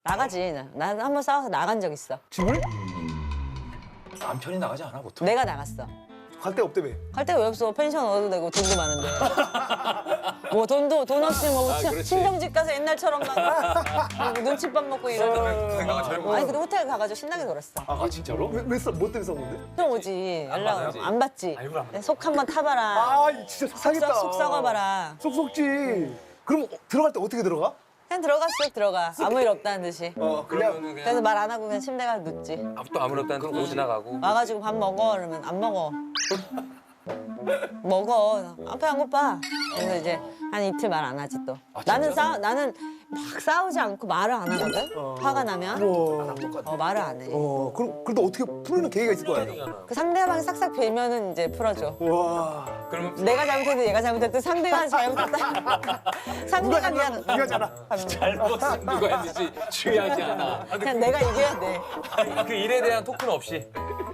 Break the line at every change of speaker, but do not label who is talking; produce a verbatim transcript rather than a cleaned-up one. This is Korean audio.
나가지. 난 한 번 싸워서 나간 적 있어.
집을?
남편이 나가지 않아 보통?
내가 나갔어.
갈 데가 없다며.
갈 데가 왜 없어? 펜션 얻어도 되고 돈도 많은데. 뭐 돈도 돈 없이 뭐
아,
친-
그렇지.
친정집 가서 옛날처럼 막 뭐 눈칫밥 먹고 이러고.
생각은 젊은
아니 근데 호텔 가가지고 신나게 놀았어.
아 진짜로?
왜, 왜 써? 뭐 때문에 싸웠는데?
좀 오지. 연락
받아야지.
안 받지.
아이고, 안 받아.
속 한번 타봐라.
아, 진짜 속상했다.
속, 속 썩어봐라.
속 속지. 그럼 어, 들어갈 때 어떻게 들어가?
그냥 들어가 쓱 들어가. 아무 일 없다는 듯이.
어, 그냥.
그러면은
그래서
그냥
말 안 하고 그냥 침대 가서 눕지.
아무도 아무렇다는 듯 지나가고.
와가지고 밥 먹어 그러면 안 먹어. 먹어. 앞에 안 고파. 그래서 이제 한 이틀 말 안 하지 또.
아,
나는
진짜?
싸 나는 막 싸우지 않고 말을 안 하거든. 화가 나면
어,
어, 말을 안 해.
어, 그럼 그래도 어떻게 풀리는 계기가 있을 거 아니야?
그 상대방이 싹싹 빌면은 이제 풀어줘.
와.
그러면
내가 잘못해도 얘가 잘못했든 상대가 잘못했다. 상대가 미안.
미안하잖아.
잘못은 누가 했는지 중요하지 않아.
그냥 내가 이겨야 돼.
그 일에 대한 토크는 없이.